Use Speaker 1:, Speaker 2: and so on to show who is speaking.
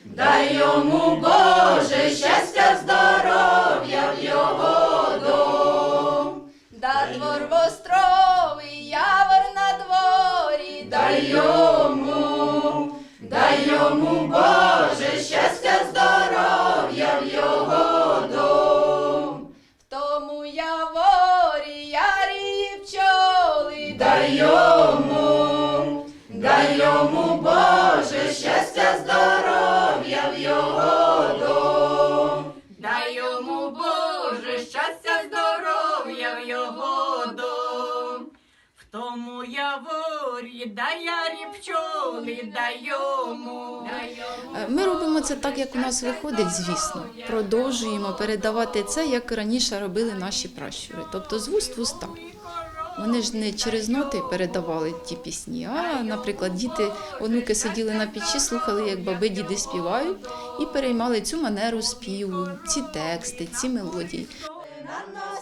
Speaker 1: дай йому, Боже, щастя, здоров'я в його дом.
Speaker 2: Да двор востровий, явор на дворі,
Speaker 1: Дай йому, Боже, щастя, здоров'я в його дом.
Speaker 2: в тому яворі ярі пчоли,
Speaker 1: Дай йому, Боже, щастя, здоров'я в його дом.
Speaker 3: Дай йому, Боже, щастя, здоров'я в його дом. В тому яворі, дай ярі пчоли, дай йому.
Speaker 4: Ми робимо це так, як у нас виходить, звісно. Продовжуємо передавати це, як раніше робили наші пращури, тобто з вуст в уста. Вони ж не через ноти передавали ті пісні, а, наприклад, діти, онуки сиділи на печі, слухали, як баби, діди співають, і переймали цю манеру співу, ці тексти, ці мелодії.
Speaker 1: На